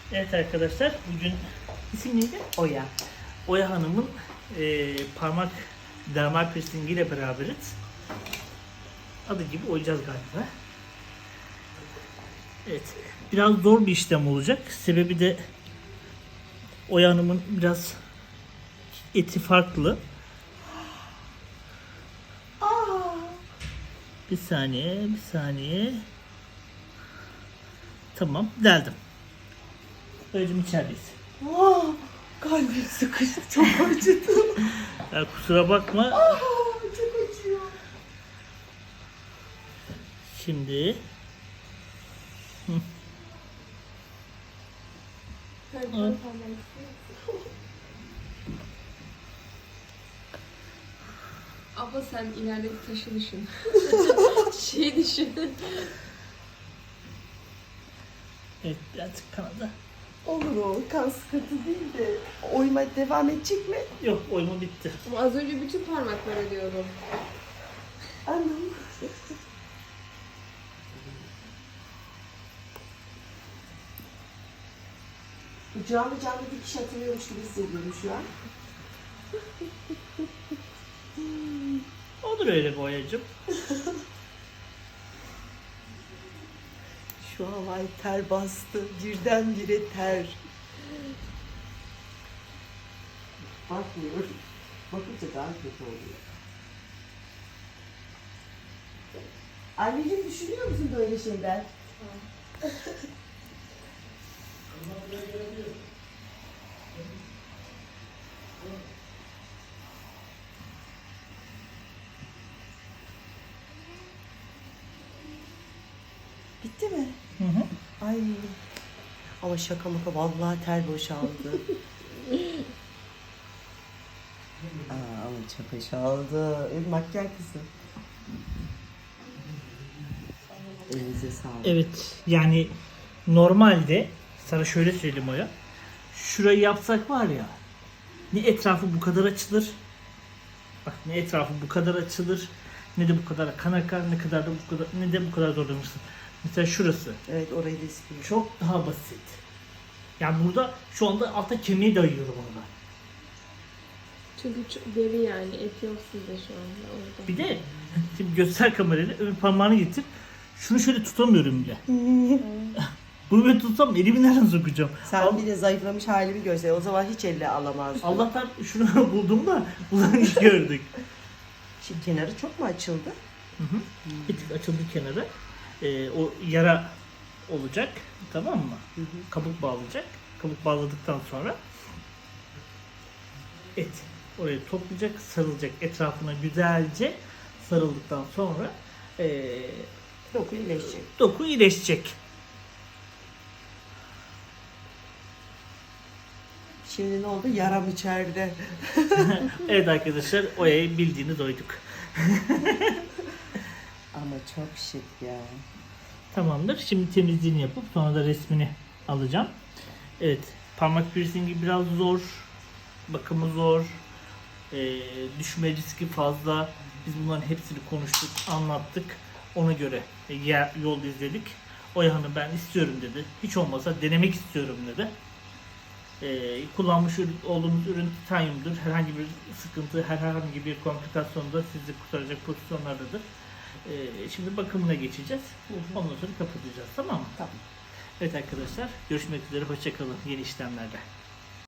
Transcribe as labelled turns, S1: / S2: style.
S1: Evet arkadaşlar, bugün isim neydi?
S2: Oya.
S1: Oya Hanım'ın parmak dermal piercing ile beraberiz. Adı gibi oyacağız galiba. Evet, biraz zor bir işlem olacak. Sebebi de Oya Hanım'ın biraz eti farklı. Bir saniye. Tamam, deldim. Böylece içerideyiz.
S2: Kalbim sıkıştı, çok acıdı.
S1: Ya kusura bakma.
S2: Çok acıyor.
S1: Şimdi
S3: Abla sen ileride bir taşı düşün. Düşün.
S1: evet, birazcık kanadı.
S2: Olur o, kan sıkıntı değil de oyma devam edecek mi?
S1: Yok, oyma bitti.
S3: Ama az önce bütün parmaklara diyordum.
S2: Anam. Canlı canlı dikiş atılıyormuş gibi hissediyorum şu an.
S1: Olur öyle boyacım.
S2: Şu an ay ter bastı. Birdenbire ter. Bakmıyorum. Bakınca daha kötü oluyor. Anneciğim düşünüyor musun böyle şeyler? Bitti mi?
S1: Hı hı.
S2: Ay. Ama şaka maka vallahi ter boşaldı. Ama çok boşaldı. Irmak gel kızım. Elinize sağlık.
S1: Evet, yani normalde sana şöyle söyleyeyim Oya. Şurayı yapsak var ya, ne etrafı bu kadar açılır. Bak, ne etrafı bu kadar açılır, ne de bu kadar kan akar, ne de bu kadar zorlanırsın. Mesela şurası
S2: Evet, orayı da istiyorum.
S1: çok daha basit. Yani burada şu anda alta kemiği dayıyorum ona.
S3: Çünkü çok deri yani. Et yok sizde şu anda orada.
S1: Bir de şimdi göster kamerayla, ön parmağını getir. Şunu şöyle tutamıyorum bile. Bunu böyle tutsam elimi nereden sokacağım?
S2: Sen bir de zayıflamış halimi görsen o zaman hiç elle alamazdın.
S1: Allah'tan şunu buldum da bunu gördük.
S2: Şimdi kenarı çok mu açıldı?
S1: Bir tık açıldı kenarı. O yara olacak. Tamam mı? Kabuk bağlayacak. Kabuk bağladıktan sonra et oraya toplayacak, sarılacak. Etrafına güzelce sarıldıktan sonra
S2: Doku iyileşecek.
S1: doku iyileşecek.
S2: Şimdi ne oldu? Yaram içeride.
S1: Evet arkadaşlar, Oya'yı bildiğini doyduk.
S2: Ama çok şık ya.
S1: Tamamdır. Şimdi temizliğini yapıp sonra da resmini alacağım. Evet. Parmak piercingi biraz zor. Bakımı zor. Düşme riski fazla. Biz bunların hepsini konuştuk, anlattık. Ona göre yol izledik. Oya Hanım ben istiyorum dedi. Hiç olmazsa denemek istiyorum dedi. Kullanmış olduğumuz ürün titanyumdur. Herhangi bir sıkıntı, herhangi bir komplikasyon da sizi kurtaracak pozisyonlardadır. Şimdi bakımına geçeceğiz. Ondan sonra kapatacağız. Tamam mı?
S2: Tamam.
S1: Evet arkadaşlar, görüşmek üzere. Hoşça kalın yeni işlemlerde.